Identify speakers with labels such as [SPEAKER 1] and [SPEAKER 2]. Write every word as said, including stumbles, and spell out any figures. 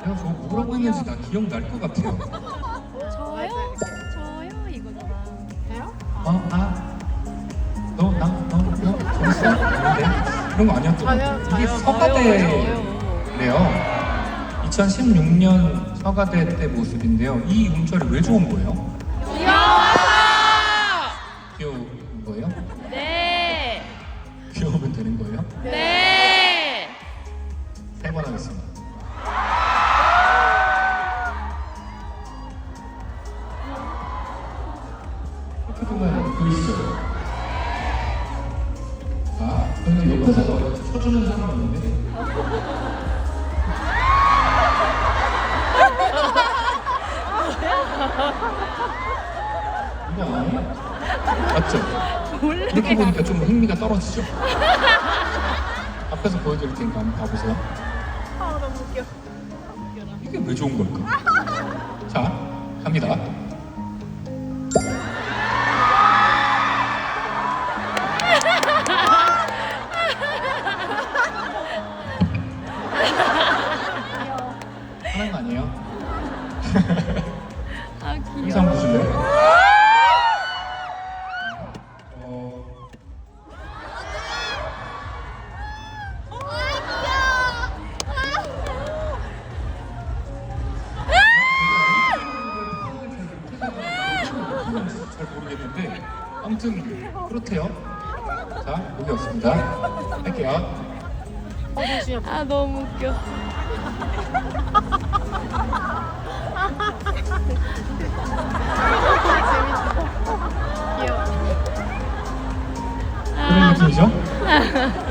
[SPEAKER 1] 내가 저거 뭐라고 했는지 다 기억날 것 같아요.
[SPEAKER 2] 저요? 저요? 이거잖아.
[SPEAKER 3] 돼요?
[SPEAKER 1] 어? 아? 너? 나? 너? 너? 저랬어? 아닌데? 그런 거 아니었던 것 같아요.
[SPEAKER 3] 저요,
[SPEAKER 1] 이게
[SPEAKER 3] 저요,
[SPEAKER 1] 서가대래요. 이천십육 년 서가대 때 모습인데요. 이 운철이 왜 좋은 거예요? 귀여운 거예요?
[SPEAKER 2] 네.
[SPEAKER 1] 귀여우면 되는 거예요?
[SPEAKER 2] 네.
[SPEAKER 1] 세 번 하겠습니다. 이렇게 보면 보이시죠? 아, 근데 옆에서 쳐주는 사람 있는데? 이거 아니에요? 맞죠? 이렇게 보니까 좀 흥미가 떨어지죠? 앞에서 보여드릴 테니까 한번 봐보세요.
[SPEAKER 3] 아 너무 웃겨.
[SPEAKER 1] 이게 왜 좋은 걸까? 자, 갑니다. 하는 거 아니에요?
[SPEAKER 2] 아 귀여워.
[SPEAKER 1] 영상 보실래요? 어... 잘 모르겠는데 아무튼 그렇대요. 자, 여기 없습니다. 할게요.
[SPEAKER 3] 어 잠시만요.
[SPEAKER 2] 아 너무 웃겨.
[SPEAKER 3] 귀여워.
[SPEAKER 1] 그런 느낌이죠?